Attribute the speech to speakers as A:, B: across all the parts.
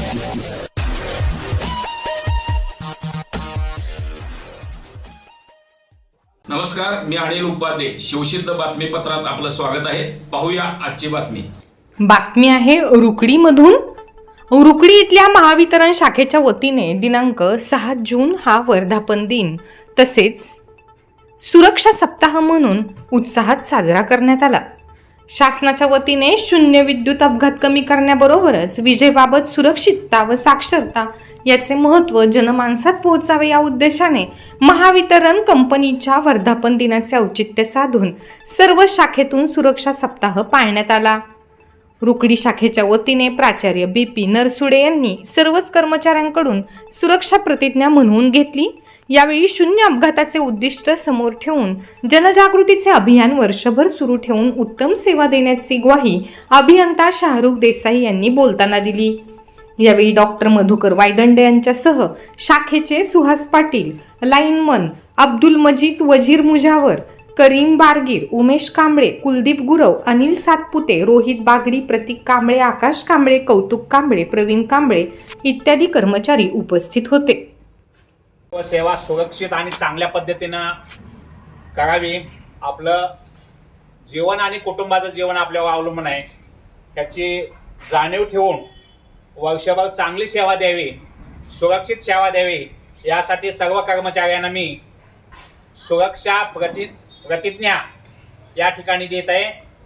A: नमस्कार, मी अनिल उपाध्ये. शिवसिद्ध बातमीपत्रात आपलं स्वागत आहे. पाहूया आजची बातमी.
B: बातमी आहे रुकडीमधून. रुकडी इथल्या महावितरण शाखेच्या वतीने दिनांक 6 जून हा वर्धापन दिन तसेच सुरक्षा सप्ताह म्हणून उत्साहात साजरा करण्यात आला. शासनाच्या वतीने शून्य विद्युत अपघात कमी करण्याबरोबरच विजेबाबत सुरक्षितता व साक्षरता याचे महत्त्व जनमानसात पोहोचावे या उद्देशाने महावितरण कंपनीच्या वर्धापन दिनाचे औचित्य साधून सर्व शाखेतून सुरक्षा सप्ताह पाळण्यात आला. रुकडी शाखेच्या वतीने प्राचार्य BP नरसुडे यांनी सर्वच कर्मचाऱ्यांकडून सुरक्षा प्रतिज्ञा म्हणवून घेतली. यावेळी शून्य अपघाताचे उद्दिष्ट समोर ठेवून जनजागृतीचे अभियान वर्षभर सुरू ठेवून उत्तम सेवा देण्याची ग्वाही अभियंता शाहरुख देसाई यांनी बोलताना दिली. यावेळी डॉक्टर मधुकर वायदंडे यांच्यासह शाखेचे सुहास पाटील, लाईनमन अब्दुल मजीद, वजीर मुजावर, करीम बारगीर, उमेश कांबळे, कुलदीप गुरव, अनिल सातपुते, रोहित बागडी, प्रतीक कांबळे, आकाश कांबळे, कौतुक कांबळे, प्रवीण कांबळे इत्यादी कर्मचारी उपस्थित होते.
C: सेवा सुरक्षित आणि चांगल्या पद्धतीनं करावी. आपलं जीवन आणि कुटुंबाचं जीवन आपल्यावर अवलंबून आहे. त्याची जाणीव ठेवून वर्षभर चांगली सेवा द्यावी, सुरक्षित सेवा द्यावी, यासाठी सर्व कर्मचाऱ्यांना मी सुरक्षा प्रतिज्ञा या ठिकाणी देत आहे.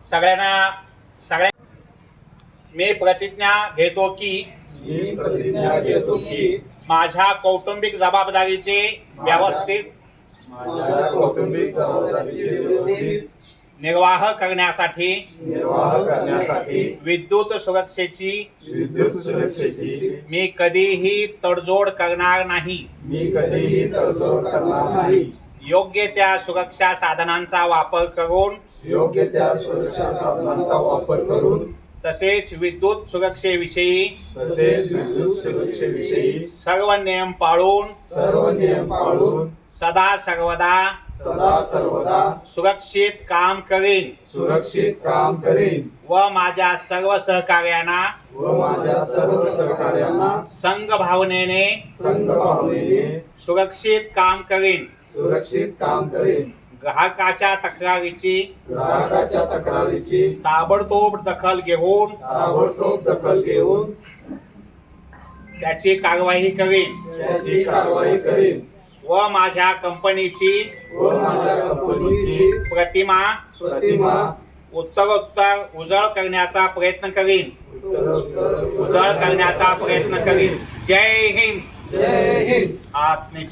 C: मी प्रतिज्ञा घेतो की माझ्या कौटुंबिक जबाबदारीचे व्यवस्थित निर्वाह करण्यासाठी विद्युत सुरक्षेची मी कधीही तडजोड करणार नाही. योग्य त्या सुरक्षा साधनांचा वापर करून तसेच विद्युत सुरक्षेविषयी सर्व नियम पाळून सदा सर्वदा सुरक्षित काम करीन व माझ्या सर्व सहकार्यांना संघ भावनेने सुरक्षित काम करीन. ग्राहकाच्या तक्रारीची ताबडतोब दखल घेऊन त्याची कारवाई करीन व माझ्या कंपनीची प्रतिमा उत्तरोत्तर उजळ करण्याचा प्रयत्न करीन. जय हिंद. आत्मेची